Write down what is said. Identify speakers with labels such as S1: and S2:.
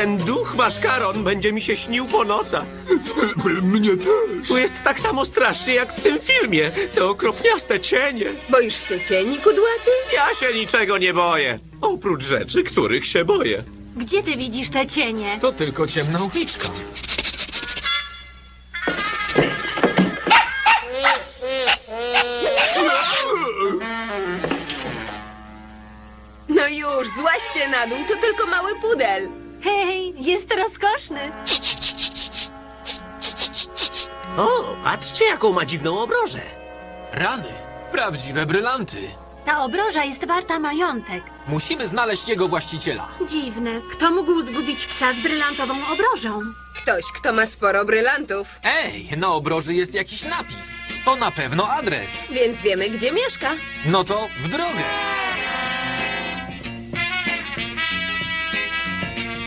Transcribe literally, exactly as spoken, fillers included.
S1: Ten duch maszkaron będzie mi się śnił po nocach.
S2: Mnie też.
S1: Tu jest tak samo strasznie jak w tym filmie. Te okropniaste cienie.
S3: Boisz się cieni, kudłaty?
S1: Ja się niczego nie boję. Oprócz rzeczy, których się boję.
S4: Gdzie ty widzisz te cienie?
S5: To tylko ciemna uliczka.
S3: No już, złaźcie na dół, to tylko mały pudel.
S4: Hej, jest rozkoszny.
S1: O, patrzcie, jaką ma dziwną obrożę.
S5: Rany. Prawdziwe brylanty.
S4: Ta obroża jest warta majątek.
S5: Musimy znaleźć jego właściciela.
S4: Dziwne. Kto mógł zgubić psa z brylantową obrożą?
S3: Ktoś, kto ma sporo brylantów,
S5: Ej, na obroży jest jakiś napis. To na pewno adres.
S3: więc wiemy, gdzie mieszka.
S5: No to w drogę.